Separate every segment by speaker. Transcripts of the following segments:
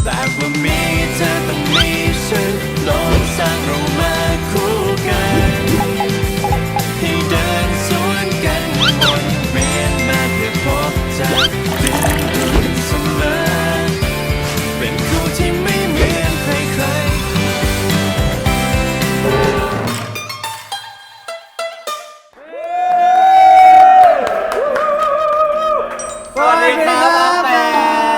Speaker 1: แต่ว่ามีเธอต้องมีฉันโลกสร้างเรามาคู่กันให้เดินสวนกันวนเวียนมาเพื่อพบเธอเป็นรุ่นเสมอเป็นคู่ที่ไม่เหมือนใครๆ
Speaker 2: สวัสดีครับอาแปะ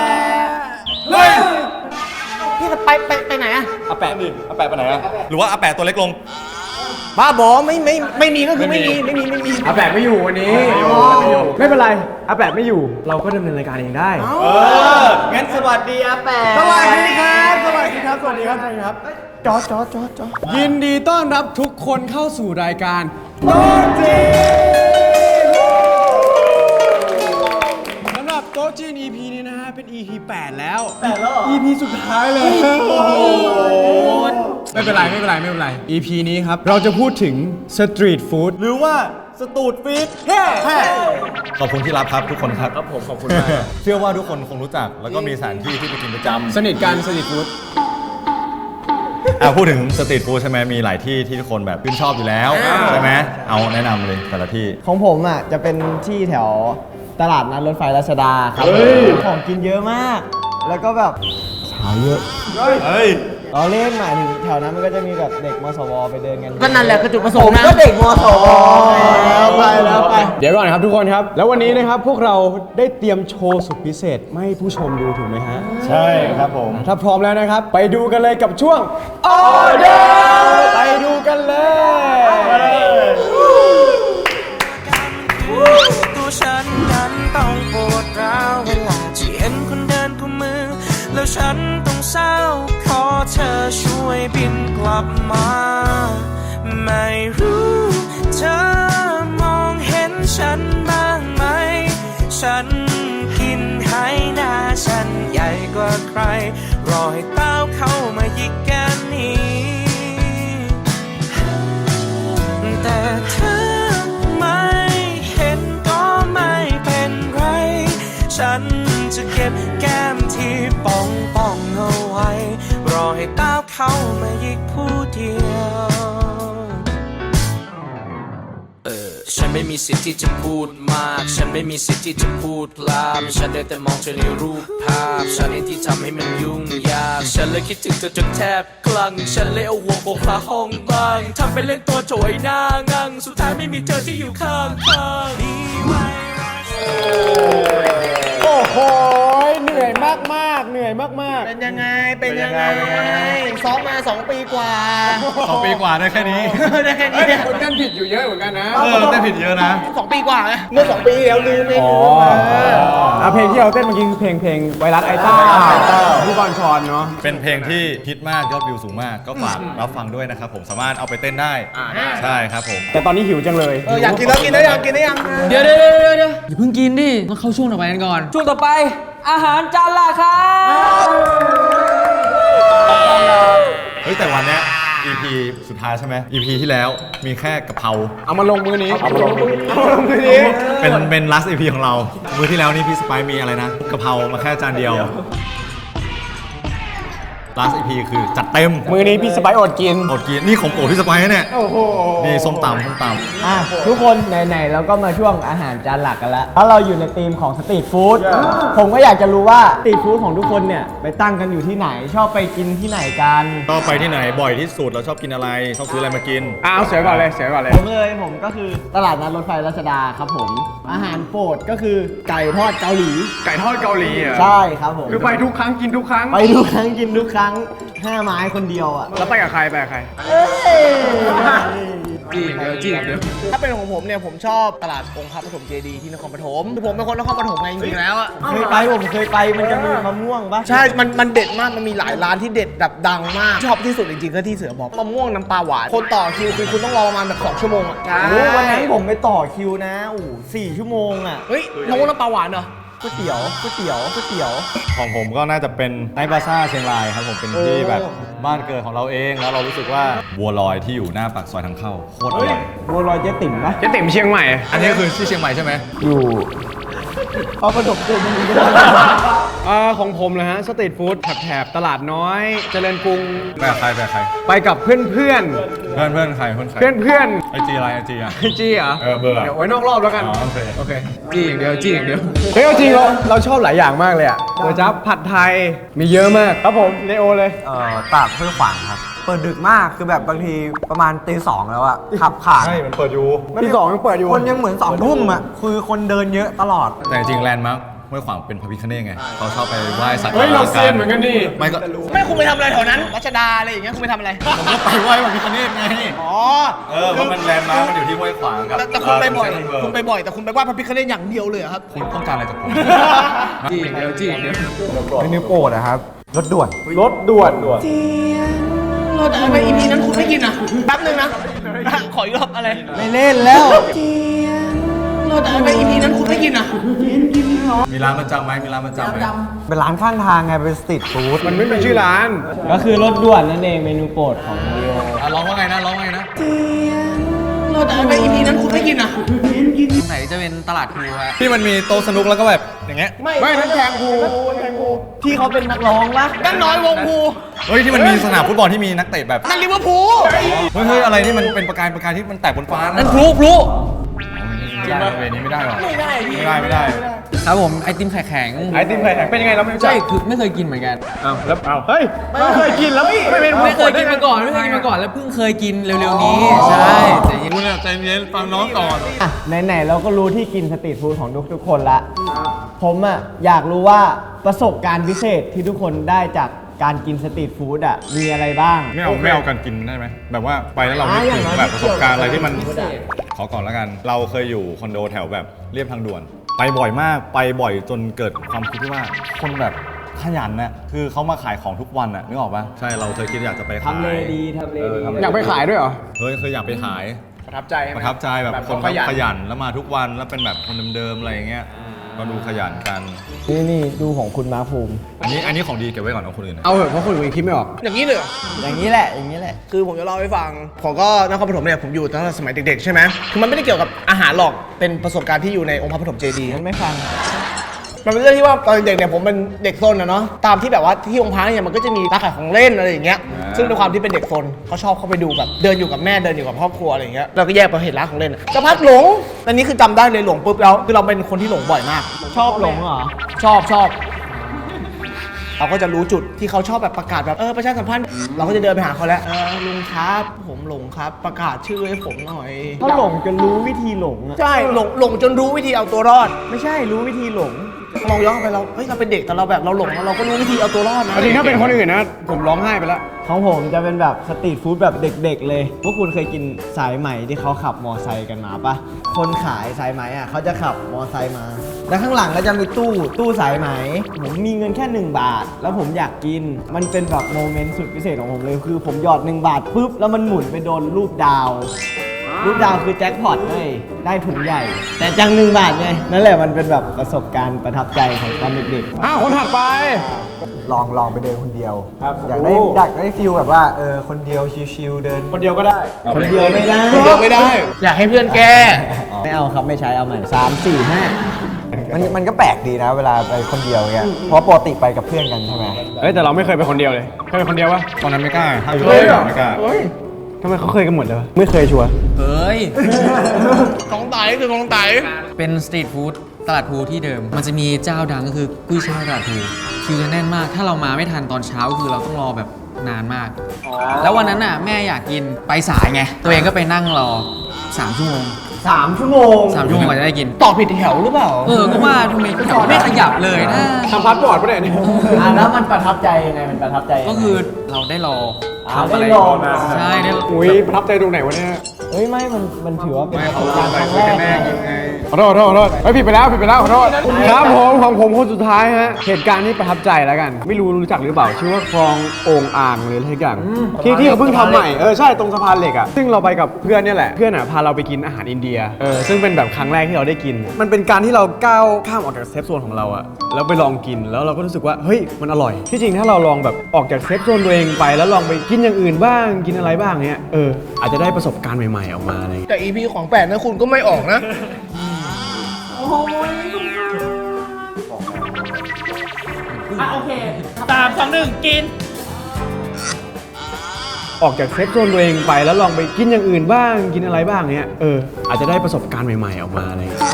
Speaker 2: พี่จะไปไหนอะ
Speaker 3: อาแปะนี่อาแปะไปไหนอะหรือว่าอาแปะตัวเล็กลง
Speaker 2: บ้าบอไม่มีก็คือไม่มี
Speaker 4: อาแปะไม่อยู่วันนี้ไม่เป็นไรอาแปะไม่อยู่เราก็ดำเนินรายการเองได้
Speaker 2: งั้นสวัสดีอาแปะ
Speaker 4: สวัสดีครับสวัสดีครับจอยินดีต้อนรับทุกคนเข้าสู่รายการโต๊ะจีนสำหรับโต๊ะจีน EP นี้นะฮะเป็น EP 8 แล้วEP สุดท้ายเลยไม่เป็นไร EP นี้ครับเราจะพูดถึงสตรีทฟู้ดหรือว่าสตูดฟีด
Speaker 3: ขอบคุณที่รับครับทุกคนครับ
Speaker 4: ผมขอบคุณมาก
Speaker 3: เชื่อว่าทุกคนคงรู้จักแล้วก็มีสถานที่ที่ไปกินประจำ
Speaker 4: สนิทกันสตรีทฟู้ด
Speaker 3: พูดถึงสตรีทฟู้ดใช่ไหมมีหลายที่ที่ทุกคนแบบชื่นชอบอยู่แล้วใช่ไหมเอาแนะนำเลยแต่ละที่
Speaker 2: ของผมอ่ะจะเป็นที่แถวตลาดนัดรถไฟรัชดาครับของกินเยอะมาก แล้วก็แบบสาวเยอะเราเล่นหมายถึงแถวนั้นมันก็จะมีแบบเด็กมสวไปเดินกันก็นั่นแหละคือจุดประสงค์นะก็เด็กมสวแล้วไป
Speaker 4: เดี๋ยวก่อนครับทุกคนครับแล้ววันนี้นะครับพวกเราได้เตรียมโชว์สุดพิเศษมาให้ผู้ชมดูถูกไหมฮะ
Speaker 3: ใช่ครับผม
Speaker 4: ถ้าพร้อมแล้วนะครับไปดูกันเลยกับช่วงออเดอร์ไปดูกันเลย
Speaker 1: ตัวฉันนั้นต้องปวดร้าวเวลาที่เห็นคนเดินกุมมือแล้วฉันต้องเศร้าขอเธอช่วยบินกลับมาไม่รู้เธอมองเห็นฉันบ้างไหมฉันกินให้หน้าฉันใหญ่กว่าใครรอให้เต้าเข้ามาหยิกแก้มนี้แต่เธอไม่เห็นก็ไม่เป็นไรฉันจะเก็บแก้มที่ป่องเอาไว้รอให้เต้าเข้ามาหยิกผู้เดียวฉันไม่มีสิทธิ์ที่จะพูดมากฉันไม่มีสิทธิ์ที่จะพูดพลามฉันได้แต่มองเธอในรูปภาพฉันเองที่ทำให้มันยุ่งยากฉันเลยคิดถึงเธอจนแทบคลั่งฉันเลยเอาหัวโขกฝาห้องบ้างทำเป็นเล่นตัวโจยหน้างั่งสุดท้ายไม่มีเธอที่อยู่ข้างมีไว้
Speaker 4: โอ้โหเหนื่อยมาก
Speaker 2: เป็นยังไงซ้อมมา2 ปีกว่า
Speaker 3: 2 ปีกว่าได้แค่นี้
Speaker 2: ได้แค่นี้
Speaker 4: คนเต้นผิดอยู่เยอะเหมือนกันนะ
Speaker 3: เต้นผิดเยอะนะ
Speaker 2: 2 ปีกว่าไงเมื่อ2 ปีแล้วลืมเอง
Speaker 4: เพลงที่เราเต้นเมื่อกี้คือเพลงไวรัสไอต้าพี่บอลชอนเนาะ
Speaker 3: เป็นเพลงที่ฮิตมากยอดวิวสูงมากก็ฝากรับฟังด้วยนะครับผมสามารถเอาไปเต้นได้ใช่ครับผม
Speaker 4: แต่ตอนนี้หิวจังเลย
Speaker 2: อยากกินแล้วอยากกินได้ยัง
Speaker 5: เดี๋ยวอย่าเพิ่งกินดิต้องเข้าช่วงต่อไปกันก่อนช่วงต่อไปอาหารจานหลักครับ
Speaker 3: เฮ้ยแต่วันเนี้ย EP สุดท้ายใช่ไหม EP ที่แล้วมีแค่กะเพรา
Speaker 4: เอามาลงมือนี้
Speaker 3: เป็น last EP ของเรามื้อที่แล้วนี่พี่สไปซ์มีอะไรนะกะเพรามาแค่จานเดียว last EP คือจัดเต็ม
Speaker 4: มือนี้พี่สไปซ์อดกิน
Speaker 3: นี่ของโปรดพี่สไปซ์เนี่ยนี่ส้มตำ
Speaker 2: ทุกคนไหนๆเราก็มาช่วงอาหารจานหลักกันแล้วถ้าเราอยู่ในธีมของสตรีทฟู้ดผมก็อยากจะรู้ว่าสตรีทฟู้ดของทุกคนเนี่ยไปตั้งกันอยู่ที่ไหนชอบไปกินที่ไหนกัน
Speaker 3: ชอบไปที่ไหนบ่อยที่สุดเราชอบกินอะไรชอบซื้ออะไรมากิน
Speaker 4: เอาเสียก่อนเลย
Speaker 2: ผมก็คือตลาดนัดรถไฟรัชดาครับผมอาหารโปรดก็คือไก่ทอดเกาหลี
Speaker 4: อ่ะ
Speaker 2: ใช่ครับผม
Speaker 4: คือไปทุกครั้งกินทุกครั้ง
Speaker 2: กินทุกครั้ง5 ไม้คนเดียวอ่ะ
Speaker 4: แล้วไปกับใคร
Speaker 5: จริง
Speaker 2: ถ้าเป็นของผมเนี่ยผมชอบตลาดองค์พระปฐมเจดีย์ที่นครปฐมคือผมเป็นคนนครปฐมไงจริงๆแล้วอ่ะผมเคยไปมันจะมีมะม่วงปะใช่มันเด็ดมากมันมีหลายร้านที่เด็ดแบบดังมากชอบที่สุดจริงๆก็ที่เสือบอกมะม่วงน้ำปลาหวานคนต่อคิวคือคุณต้องรอประมาณแบบ2 ชั่วโมงอ่ะวันนั้นผมไปต่อคิวนะ4 ชั่วโมงอ่ะเฮ้ยมะม่วงน้ำปลาหวานเหรอก๋วยเตี๋ยว
Speaker 3: ของผมก็น่าจะเป็นไนท์บาซ่าเชียงรายครับผมเป็นที่แบบบ้านเกิดของเราเองแล้วเรารู้สึกว่าบัวลอยที่อยู่หน้าปากซอยทางเข้าโคตรอร่อย
Speaker 2: บัวลอยเจ๊ติ๋มปะ
Speaker 4: เจ๊ติ๋มเชียงใหม่
Speaker 3: อันนี้คือที่เชียงใหม่ใช่ไหม
Speaker 2: อยู่พระปฐมเจดีย์
Speaker 4: ของผมนะฮะสตรีทฟู้ดแถบตลาดน้อยเจริญกรุง
Speaker 3: ไปกับใคร
Speaker 4: ไปกับเพื่อน
Speaker 3: เพื่อนใคร
Speaker 4: เพื่อน
Speaker 3: ไอจีอะไรไอจีอ่ะ
Speaker 4: จี้เหรอ
Speaker 3: เบอร์
Speaker 4: เดี๋ยวไว้นอกรอบแล้วกัน
Speaker 3: อ๋อโอเค
Speaker 4: โอเคจี้อย่างเดียวเฮ้ยเอาจริงเราชอบหลายอย่างมากเลยอ่ะเดี๋ยวจับผัดไทยมีเยอะมากครับผมเลโอเลย
Speaker 6: ตากห้วยขวางครับ เปิดดึกมากคือแบบบางทีประมาณตี 2แล้วอะขับผ่าน
Speaker 3: ใช่ มันเปิดอยู่
Speaker 4: ที่2ยังเปิดอยู่
Speaker 6: คนยังเหมือน2 ทุ่มอะคือคนเดินเยอะตลอด
Speaker 3: แต่จริงแลนด์มาร์คห้วยขวางเป็นพระพิฆเนศไงเขาชอบไปไหว้สักการะ
Speaker 4: เฮ้ยเราเซียนเหมือนกันดิ
Speaker 3: ไม่ก็
Speaker 2: ไม่คุณไปทำอะไรแถวนั้นรัชดาอะไรอย่างเงี้ยคุณไปทำอะไร
Speaker 3: ผมก็ไปไหว้พระพิฆเนศไง
Speaker 2: อ๋อ
Speaker 3: เพราะมันแลนด์มาร์คมันอยู่ที่ห้วยขวางกับ
Speaker 2: แต่คุณไปบ่อย
Speaker 3: เซ็นทรัลเวิลด์
Speaker 2: คุณไปบ่อยแต่คุณไปไหว้พระพิฆเนศอย่างเดียวเลยเหรอครับ
Speaker 3: คุณต้องการอะไรจากผม
Speaker 4: จี้อย่างเดียว
Speaker 6: เมนูโปรดนะครับ รถด่วน
Speaker 4: รถด่วน
Speaker 2: เราแต่ทำไม EP นั้นคุณไม่กินอ่ะแป๊บนึงนะ ขออีกรอบอะไร
Speaker 6: ไม่เล่นแล้ว
Speaker 2: เราแต่ทำไม EP นั้นคุณไม่กินอ่ะ
Speaker 3: มีร้านประจำไหมมีร้านประจำไหม
Speaker 6: เป็นร้านข้างทางไง เป็นสตรีทฟู้ด
Speaker 4: มันไม่มีชื่อร้าน
Speaker 7: ก็คือรถด่วนนั่นเองเมนูโปรดของลีโอ
Speaker 3: ร้องว่าไงนะร้องว่าไงนะ
Speaker 2: เราแต่ทำไม EP นั้นคุณไม่กินอ่ะ
Speaker 5: ตรงไหนจะเป็นตลาดพลูฮะ
Speaker 3: ที่มันมีโต๊ะสนุกแล้วก็แบบอย่างเงี้ย
Speaker 4: ไม่ทั้งแทงคู
Speaker 2: ที่เขาเป็นนักร้องปะนั่นน้อยวงภู
Speaker 3: เฮ้ยที่มันมีสนามฟุตบอลที่มีนักเตะแบบ
Speaker 2: นั่นลิเวอร์พูล
Speaker 3: เฮ้ยอะไรที่มันเป็นประกายที่มันแตกบนฟ้า
Speaker 5: นั่
Speaker 3: นั่
Speaker 5: นพลุ
Speaker 3: เวนี้ไม่ได้หรอ
Speaker 2: ไม่ได้
Speaker 3: ไม่ได้
Speaker 5: ครับผมไอติมไข่แข็ง
Speaker 4: ไอติมไข่แข็งเป็นยังไงเราไม่รู้จั
Speaker 5: ใช่
Speaker 4: ก
Speaker 5: คือไม่เคยกินเหมือนกัน
Speaker 4: อ้าวแล้วอ้าวเฮ้ยไม่เคยกินแล้วไม่เป็น
Speaker 5: ไม่เคยกินมาก่อนแล้วเพิ่งเคยกินเร็วๆนี้ใช่แต่ยัง
Speaker 3: คุณใจเย็นฟังน้องก่อน
Speaker 7: อ่ะไหนๆเราก็รู้ที่กินสตรีทฟู้ดของทุกคนละ ผมอ่ะอยากรู้ว่าประสบการณ์พิเศษที่ทุกคนได้จากการกินสตรีทฟู้ดอ่ะมีอะไรบ้าง
Speaker 3: ไม่เอากันกินได้ไหมแบบว่าไปแล้วเราไม่ถึงแบบประสบการณ์อะไรที่มันขอก่อนแล้วกัน เราเคยอยู่คอนโดแถวแบบเรียบทางด่วน ไปบ่อยมากไปบ่อยจนเกิดความคิดที่ว่าคนแบบขยันน่ะคือเขามาขายของทุกวันน่ะนึกออกปะใช่เราเคยคิดอยากจะไปขาย
Speaker 7: ทำเลดีทำเลดี
Speaker 4: อยากไปขายด้วยเหรอ
Speaker 3: เฮ้ยเคยอยากไปขาย
Speaker 2: ประทับใจไหม
Speaker 3: ประทับใจแบบคน
Speaker 2: ขยัน
Speaker 3: ขยันแล้วมาทุกวันแล้วเป็นแบบคนเดิมๆอะไรอย่างเงี้ยก็ดูขยันกัน
Speaker 7: นี่ดูของคุณมาร์คภูมิ
Speaker 3: อันนี้ของดีเก็บไว้ก่อนเอาคนอื่นนะ
Speaker 4: เอาเหอะเพราะคนอื่นคิดไม่ออก
Speaker 2: อย่างนี้เลยเหรอ
Speaker 7: อย่างนี้แหละอย่างนี้แหละ
Speaker 2: คือผมจะเล่าให้ฟัง ผมก็นครปฐมเนี่ยผมอยู่ตั้งแต่สมัยเด็กๆใช่ไหมคือมันไม่ได้เกี่ยวกับอาหารหรอก เป็นประสบการณ์ที่อยู่ในองค์พระปฐมเจดีย์
Speaker 7: งั้นไม่ฟัง
Speaker 2: มันเป็นเรื่องที่ว่าตอนเด็กเนี่ยผมเป็นเด็กซนนะเนาะ ตามที่แบบว่าที่องค์พระเนี่ยมันก็จะมีร้านขายของเล่นอะไรอย่างเงี้ย ซึ่งด้วยความที่เป็นเด็กซนเขาชอบเข้าไปดูแบบเดินอยู่กับแม่เดินอยู่กับครอบครัวอะไรอย่างเงี้ย เราก็แยกไปเห็นร้านของเล่นสักพักหลงอันนี้คือจำได้เลยหลงปุ๊บแล้วคือเราเป็นคนที่หลงบ่อยมาก
Speaker 7: ชอบหลงเหรอ
Speaker 2: ชอบเราก็จะรู้จุดที่เขาชอบแบบประกาศแบบประชาสัมพันธ์เราก็จะเดินไปหาเขาแล้วลุงครับผมหลงครับประกาศชื่อให้ผมหน่อย
Speaker 7: เขาหลงจนรู้วิธีหลงอ่ะ
Speaker 2: ใช่หลงจนรู้วิธีเอาตัวรอด
Speaker 7: ไม่ใช่รู้วิธีหลง
Speaker 2: มองย้อนไปเราเฮ้ยเราเป็นเด็กแต่เราแบบเราหลงแล้วเราก็รู้วิธีเอาตัวรอดนะ
Speaker 4: จริงถ้าเป็นคนอื่นนะผมร้องไห้ไปแล้ว
Speaker 7: ของผมจะเป็นแบบสตรีทฟู้ดแบบเด็กๆเลย พวกคุณเคยกินสายไหมที่เขาขับมอไซค์กันมาปะคนขายสายไหมอ่ะเขาจะขับมอไซค์มา แล้วข้างหลังก็จะมีตู้สายไหม ผมมีเงินแค่ 1 บาท แล้วผมอยากกิน มันเป็นแบบโมเมนต์สุดพิเศษของผมเลย คือผมหยอด 1 บาทปุ๊บ แล้วมันหมุนไปโดนรูปดาว รูปดาวคือแจ็คพอตเลยได้ถุงใหญ่ แต่จัง1 บาทไง นั่นแหละมันเป็นแบบประสบการณ์ประทับใจของตอนเด็กๆ
Speaker 4: คนถัดไป
Speaker 6: ลองไปเดินคนเดียว อยากได้ฟีลแบบว่าคนเดียวชิลๆเดิน
Speaker 4: คนเดียวก็ได้
Speaker 7: คนเดียวไม่ได้
Speaker 2: ไม่ได้ อยากให้เพื่อนแก้
Speaker 7: ไม่เอาครับไม่ใช้เอาใหม่3 4 5
Speaker 6: มันก็แปลกดีนะ เวลาไปคนเดียวเงี้ยเพราะปกติไปกับเพื่อนกันใช่ไหม
Speaker 4: เฮ้ยแต่เราไม่เคยไปคนเดียวเลยเคยไปคนเดียวปะ
Speaker 3: ตอนนั้นไม่กล้าถ้าอยู่
Speaker 4: เฮ้ย
Speaker 3: ไม่กล้า
Speaker 4: ทำไมเขาเคยกันหมดเลยวะไม่เคยชัวร์
Speaker 5: เฮ้ย
Speaker 2: ของไตคือของไต
Speaker 5: เป็นสตรีทฟู้ดตลาดพลูที่เดิม มันจะมีเจ้าดังก็คือกุ้ยช่ายตลาดพลูคิวจะแน่นมาก ถ้าเรามาไม่ทันตอนเช้าคือเราต้องรอแบบนานมาก แล้ววันนั้นน่ะแม่อยากกินไปสายไง ตัวเองก็ไปนั่งรอ 3 ชั่วโมง
Speaker 7: 3 ชั่วโมง
Speaker 5: 3 ชั่วโมงกว่าจะได้กิน
Speaker 2: ต่อผิดแถวหรือเปล่า
Speaker 5: ก็ว่าทำไมแถวไม่ขยับเลยนะ
Speaker 4: ทำพาสปอร์ตปะเนี่ย
Speaker 7: แล้วมันประทับใจยังไงมันประทับใจยังไง
Speaker 5: ก็คือเราได้รอ
Speaker 7: ได้ลอง
Speaker 5: ใช่ได้
Speaker 4: อุ้ยประทับใจตรงไหนวะเนี่ย
Speaker 7: เฮ้ยไม่มันถือว่าเป็น
Speaker 3: ไม่
Speaker 7: ประส
Speaker 3: เขา
Speaker 7: บการณ์ครั้ง
Speaker 3: คุย
Speaker 7: แร
Speaker 3: กั
Speaker 7: ก
Speaker 3: นแน่ไง
Speaker 4: ขอโทษเฮ้ยผิดไปแล้วขอโทษครับผมของผมคนสุดท้ายฮะเหตุการณ์ที่ประทับใจแล้วกัน ไม่รู้จักหรือเปล่าชื่อว่าคลองโอ่งอ่างหรืออะไรสักอย่างที่เขาเพิ่งทำใหม่ใช่ตรงสะพานเหล็กอ่ะซึ่งเราไปกับเพื่อนเนี่ยแหละเพื่อนอ่ะพาเราไปกินอาหารอินเดียซึ่งเป็นแบบครั้งแรกที่เราได้กิน มันเป็นการที่เราก้าวข้ามออกจากเซฟโซนของเราอ่ะแล้วไปลองกินแล้วเราก็รู้สึกว่าเฮ้ยมันอร่อยที่จริงถ้าเราลองแบบออกจากเซฟโซนตัวเองไปแล้วลองไปกินอย่างอื่นบ้างกินอะไรบ้างเนี้ยอาจจะได้ประสบการณ์ใหม่ๆออกมาอะไรอย่างเงี้ย
Speaker 2: แต่ EP ของแปดนะคุณก็ไม่ออกนะ
Speaker 5: ก
Speaker 2: โอเค3 2 1กิน
Speaker 4: ออกจากเซฟโซนตัวเองไปแล้วลองไปกินอย่างอื่นบ้างกินอะไรบ้างเนี้ยอาจจะได้ประสบการณ์ใหม่ๆออกมาอะไรอย่างเงี้ย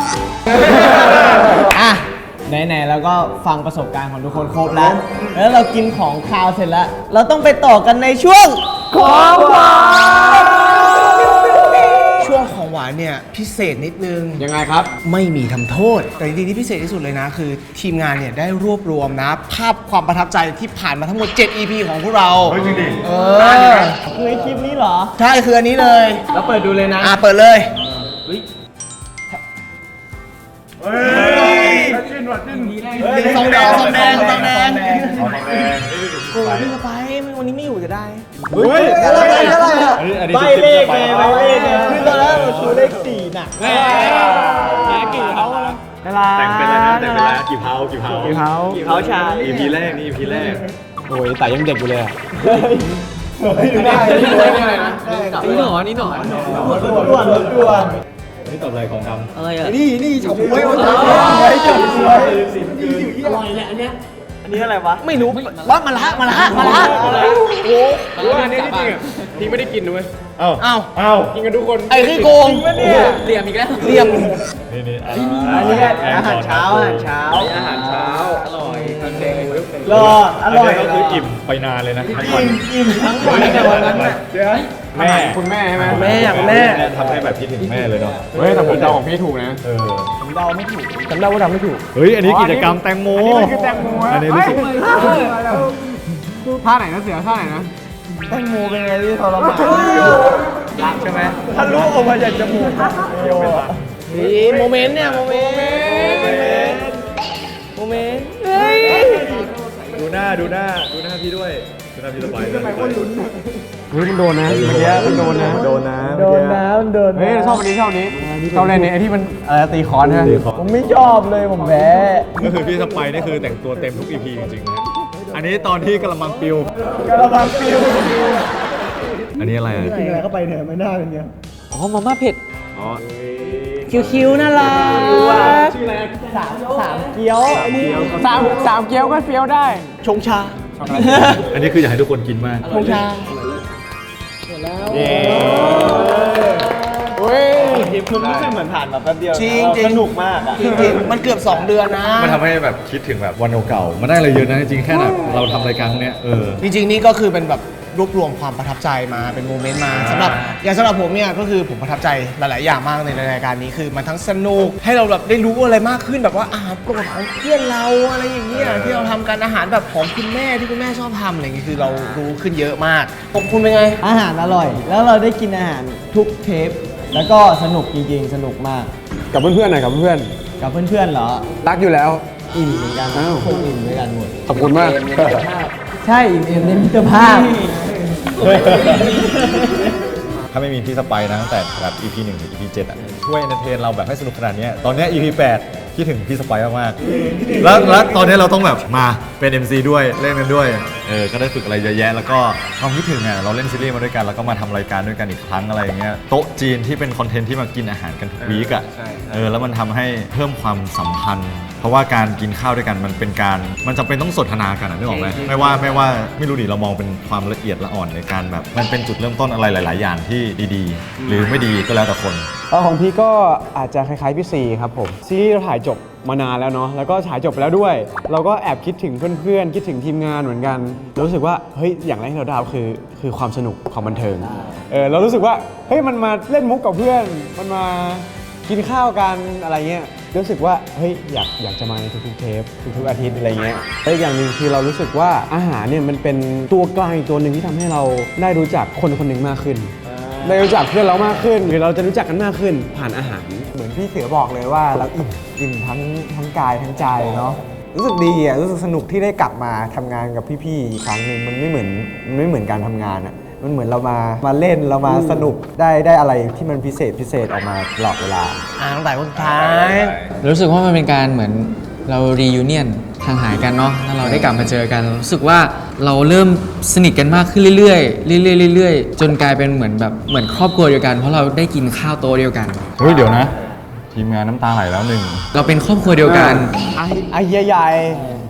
Speaker 7: อ่ะไหนๆแล้วก็ฟังประสบการณ์ของทุกคนครบแล้ว แล้วเรากินของคาวเสร็จแล้ว เราต้องไปต่อกันในช่วงของหวานช่วงของหวานเนี่ยพิเศษนิดนึง
Speaker 4: ยังไงครับ
Speaker 2: ไม่มีทำโทษ แต่จริงๆที่พิเศษที่สุดเลยนะ คือทีมงานเนี่ยได้รวบรวมนะ ภาพความประทับใจที่ผ่านมาทั้งหมด 7 EP ของพวกเรา
Speaker 3: เฮ้ยจริงดิ
Speaker 7: คือไอคลิปนี้เหรอ
Speaker 2: ใช่คืออันนี้เลย
Speaker 7: แล้วเปิดดูเลยนะ
Speaker 2: เปิดเลยซองแดง
Speaker 3: เอาทองแดง
Speaker 2: โอ้ยพี่สไปวันนี้ไม่อยู่จะได้
Speaker 3: เฮ้ย
Speaker 7: อะไรอ่ะ
Speaker 3: อันนี้
Speaker 7: ใบเลขไงใบเลขไงคือตอนแรกเราชูเลข4น่ะกี่เขา
Speaker 3: แต่งเป็นอะไรนะแต่งเป็นอะไรกี่เผา
Speaker 7: เขาชา
Speaker 3: EP แรกนี่ EP แรก
Speaker 4: โอ้ยแต่ยังเด็กอยู่เลยอะ
Speaker 5: นี่หนอนี่หนอ
Speaker 7: รถด่วน
Speaker 3: นี่ตอบอะไรของดำ
Speaker 5: อะไรอ่ะ
Speaker 7: นี่เฉาก๊วยเฉาก๊วยอร่อยแหละอันเนี้ยอันนี้อะไรวะ
Speaker 2: ไม่รู้ว่ามาละโอ้
Speaker 4: อันนี้จริงอ่ะพี่ไม่ได้กินด้วย
Speaker 3: เอ้า
Speaker 2: เอ้า
Speaker 3: เอ้า
Speaker 4: กินกันทุกคน
Speaker 2: ไอ้ขี้โกง
Speaker 5: เหลี่ยมอีกแล้ว
Speaker 2: เหลี่ยม
Speaker 3: นี่
Speaker 7: อันนี้อาหารเช้าอร่อยรอดอร่อย
Speaker 3: ก็คืออิ่มไปนานเลยนะทั้งวัน
Speaker 7: อิ่มทั้งวันในวันนั้นน่ะ
Speaker 3: แม่
Speaker 4: คุณแม่ใช่ไหม
Speaker 2: แม่กับแม่
Speaker 3: ทำให้แบบคิดถึงแม่เลยเนาะ
Speaker 4: เฮ้ยแต่ผมเดาของพี่ถูกนะ
Speaker 7: ผมเดาไม่ถูกจำได้ว่าเดาไม่ถูก
Speaker 3: เฮ้ยอันนี้กิจกรรมแตงโม
Speaker 4: อันนี้มันคือแตงโม
Speaker 3: อันนี้รู้สึก
Speaker 4: ท่าไหนนะเสือท่าไหนนะ
Speaker 7: แตงโมเป็นไงที่ทรมาน
Speaker 2: รักใช่ไหม
Speaker 7: ทะลุออกมาจากจมูกโย
Speaker 2: นี่โมเมนต์เนี่ยโมเมนต์เฮ้ย
Speaker 3: ดูหน้าพี่ด้วยดูหน้าพี่สบายด้วย
Speaker 4: เฮ้ยมันโดนนะเมื่อกี้มันโดนนะ
Speaker 7: โดนน้ำโดน
Speaker 4: เฮ้ยชอบอันนี้ชอบอันนี้ชอบเล่นเนี่ยไอ้ที่มันตีคอนใช่ไหม
Speaker 7: ผมไม่ชอบเลยผมแพ้
Speaker 3: ก็คือพี่สไปนี่คือแต่งตัวเต็มทุก EP จริงๆนะอันนี้ตอนที่กระมังปิว
Speaker 7: กระบังปิว
Speaker 3: อันนี้อะไรอ่ะ
Speaker 7: กินอะไรเข้าไปเนี่ยไม่น่าเป็นเนี้ย
Speaker 5: อ๋อมาม่าเผ็ด
Speaker 3: อ๋อ
Speaker 2: คิวๆน่ารัก
Speaker 7: สามเกี๊ยวอันนี้
Speaker 4: สามเกี๊ยวก็เฟี้ยวได้
Speaker 2: ชงชา
Speaker 3: อันนี้คืออยากให้ทุกคนกินมาก
Speaker 2: ชงชา
Speaker 7: เฮ้ยคุณรู้สึกเหมือนผ่านมาแป๊บเดียว
Speaker 2: จริง
Speaker 7: สนุกมากอ่ะ
Speaker 2: จริงๆมันเกือบ 2 เดือนนะ
Speaker 3: มันทำให้แบบคิดถึงแบบวันเก่าๆมันได้อะไรเยอะนะจริงๆแค่แบบเราทำรายการพวกเนี้ย
Speaker 2: จริงๆนี่ก็คือเป็นแบบรวบรวมความประทับใจมาเป็นโมเมนต์มาสำหรับผมเนี่ยก็คือผมประทับใจหลายๆอย่างมากในรายการนี้คือมันทั้งสนุกให้เราแบบได้รู้อะไรมากขึ้นแบบว่าอาหารโปรดของเพื่อนเราอะไรอย่างเงี้ยที่เราทำกันอาหารแบบของคุณแม่ที่คุณแม่ชอบทำอะไรอย่างเงี้ยคือเรารู้ขึ้นเยอะมากผมคุณเป็นไง
Speaker 7: อาหารอร่อย แล้วเราได้กินอาหารทุกเทป แล้วก็สนุกจริงๆ สนุกมาก
Speaker 4: กับเพื่อนๆหน่อยกับเพื่อน
Speaker 7: กับเพื่อนๆเหรอ
Speaker 4: รักอยู่แล้ว
Speaker 7: อิ่มเหมือนกัน
Speaker 4: อ้าว
Speaker 7: คงอิ่มด้วยกันหมด
Speaker 4: ขอบคุณมาก
Speaker 7: ใช่อิ่มในมิตรภาพ
Speaker 3: ถ้าไม่มีพี่สไปนะตั้งแต่แบบ EP 1 ถึง EP 7อ่ะช่วยเอนเตอร์เทนเราแบบให้สนุกขนาดเนี้ยตอนเนี้ย EP 8คิดถึงพี่สไปมากๆแล้วตอนนี้เราต้องแบบมาเป็น MC ด้วยเล่นกันด้วยก็ได้ฝึกอะไรเยอะแยะแล้วก็ความคิดถึงอ่ะเราเล่นซีรีส์มาด้วยกันแล้วก็มาทำรายการด้วยกันอีกครั้งอะไรอย่างเงี้ยโต๊ะจีนที่เป็นคอนเทนต์ที่มากินอาหารกันทุกวีคอ่ะแล้วมันทำให้เพิ่มความสัมพันธ์ เพราะว่าการกินข้าวด้วยกันมันเป็นการมันจำเป็นต้องสนทนากันนึกออกไหมไม่ว่าไม่รู้ดิเรามองเป็นความละเอียดละอ่อนในการแบบมันเป็นจุดเริ่มต้นอะไรหลาย ๆ อย่างที่ดีๆ หรือไม่ดีก็แล้วแต่คน
Speaker 4: ของพี่ก็อาจจะคล้ายๆพี่ซีครับผมซีรีส์เราถ่ายจบมานานแล้วเนาะแล้วก็ถ่ายจบไปแล้วด้วย เราก็แอบคิดถึงเพื่อนๆคิดถึงทีมงานเหมือนกันรู้สึกว่าเฮ้ยอย่างแรกที่เราได้คือความสนุกความบันเทิงเรารู้สึกว่าเฮ้ยมันมาเล่นมุกกับเพื่อนมันมากินข้าวกันอะไรเงี้ยรู้สึกว่าเฮ้ยอยากจะมาในทุกๆเทปทุกๆอาทิตย์อะไรเงี้ยและอีกอย่างหนึ่งคือเรารู้สึกว่าอาหารเนี่ยมันเป็นตัวกลางอีกตัวหนึ่งที่ทำให้เราได้รู้จักคนคนหนึ่งมากขึ้นได้รู้จักเพื่อนเรามากขึ้นหรือเราจะรู้จักกันมากขึ้นผ่านอาหาร
Speaker 6: เหมือนพี่เสือบอกเลยว่าเราอิ่มทั้งกายทั้งใจเนาะรู้สึกดีอ่ะรู้สึกสนุกที่ได้กลับมาทำงานกับพี่ๆอีกครั้งหนึ่งมันไม่เหมือนการทำงานอ่ะมันเหมือนเรามาเล่นเรามาสนุกได้อะไรที่มันพิเศษออกมาตลอดเวลา
Speaker 2: ตั้งแต่คนสุดท้าย
Speaker 5: รู้สึกว่ามันเป็นการเหมือนเรารียูเนียนห่างหายกันเนาะแล้วเราได้กลับมาเจอกันรู้สึกว่าเราเริ่มสนิทกันมากขึ้นเรื่อยๆจนกลายเป็นเหมือนครอบครัวเดียวกันเพราะเราได้กินข้าวโต๊ะเดียวกัน
Speaker 3: เฮ้ยเดี๋ยวนะทีมงานน้ำตาไหลแล้วหนึ่ง
Speaker 5: เราเป็นครอบครัวเดียวกัน
Speaker 7: ไอเฮียใหญ่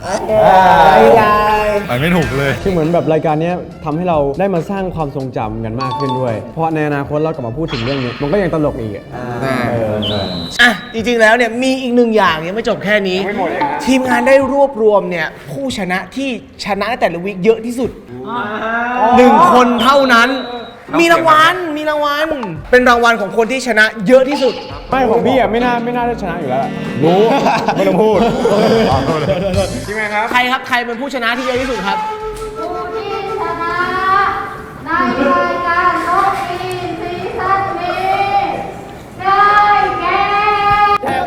Speaker 3: ไปไม่ถูกเลย
Speaker 4: คือเหมือนแบบรายการเนี้ยทำให้เราได้มาสร้างความทรงจำกันมากขึ้นด้วย เพราะในอนาคตเรากลับมาพูดถึงเรื่องนี้ มันก็ยังตลกอีกอะ
Speaker 2: อ่ะจริงๆแล้วเนี่ยมีอีกหนึ่งอย่างยังไม่จบแค่นี้ ทีมงานได้รวบรวมเนี่ยผู้ชนะที่ชนะในแต่ละวีคเยอะที่สุด1 คนเท่านั้น มีรางวัลเป็นรางวัลของคนที่ชนะเยอะที่สุด
Speaker 4: ไม่ของพี่อ่ะไม่น่าได้ชนะอยู่แล้วล่ะรู้ ไม่ต้องพูด
Speaker 2: ใครครับใครเป็นผู้ชนะที่เยอะที่สุดครับ
Speaker 8: ผู้ที่ชนะในรายการโลกอินซีซั่นนี้ได้แก่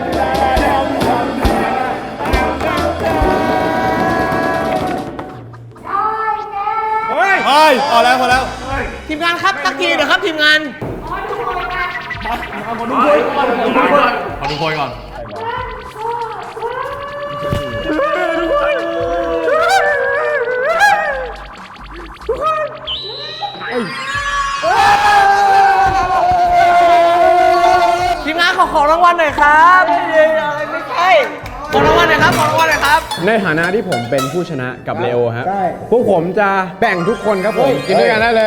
Speaker 3: เฮ้ยพอแล้วพอแล้ว
Speaker 2: ทีมงานครับตักทีเดี๋ยวครับทีมงาน
Speaker 3: ขอดูโพยก่อน
Speaker 2: ทีมงานขอรางวัลหน่อยครับไม่ใช่ขอรางวัลหน่อยครับขอรางวัลหน่อยครับ
Speaker 4: ในฐานะที่ผมเป็นผู้ชนะกับเลโอฮะพวกผมจะแบ่งทุกคนครับผมกินด้วยกันได้เลย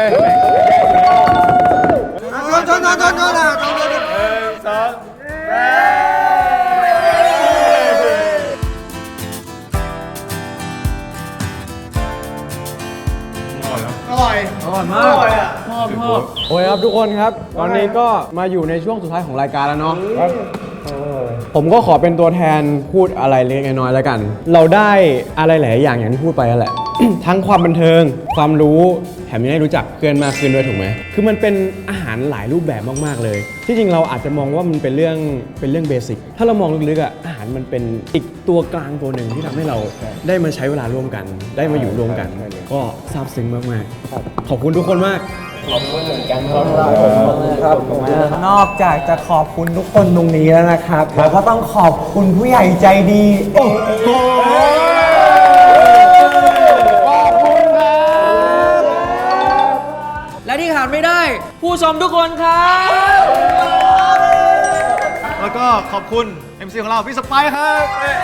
Speaker 2: อร่อยมาก
Speaker 4: โอเคครับทุกคนครับ ตอนนี้ก็มาอยู่ในช่วงสุดท้ายของรายการแล้วเนาะผมก็ขอเป็นตัวแทนพูดอะไรเล็กน้อยแล้วกัน เราได้อะไรหลายอย่างอย่างที่พูดไปแล้วแหละ ทั้งความบันเทิง ความรู้แถมยังได้รู้จักเพื่อนมากขึ้นด้วยถูกไหมคือมันเป็นอาหารหลายรูปแบบมากๆเลย ที่จริงเราอาจจะมองว่ามันเป็นเรื่องเบสิกถ้าเรามองลึกๆอ่ะอาหารมันเป็นอีกตัวกลางตัวหนึ่งที่ทำให้เราได้มาใช้เวลาร่วมกัน ได้มาอยู่ร่วมกัน ก็ซาบซึ้งมากๆขอบคุณทุกคนมาก
Speaker 6: นอกจากจะขอบคุณทุกคนตรงนี้แล้วนะครับเราก็ต้องขอบคุณผู้ใหญ่ใจดี
Speaker 5: และที่ขาดไม่ได้ ผู้ชมทุกคนครับ
Speaker 3: แล้วก็ขอบคุณ MC ของเราพี่สไปซ์ครับ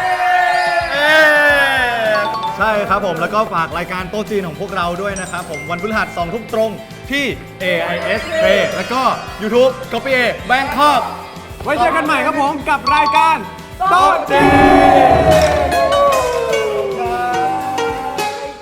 Speaker 3: ใช่ครับผมแล้วก็ฝากรายการโต๊ะจีนของพวกเราด้วยนะครับผมวันพฤหัส2 ทุ่มตรงที่ AIS Play แล้วก็ YouTube Copy A Bangkok
Speaker 4: ไว้เจอกันใหม่ครับผมกับรายการโต๊ะจีน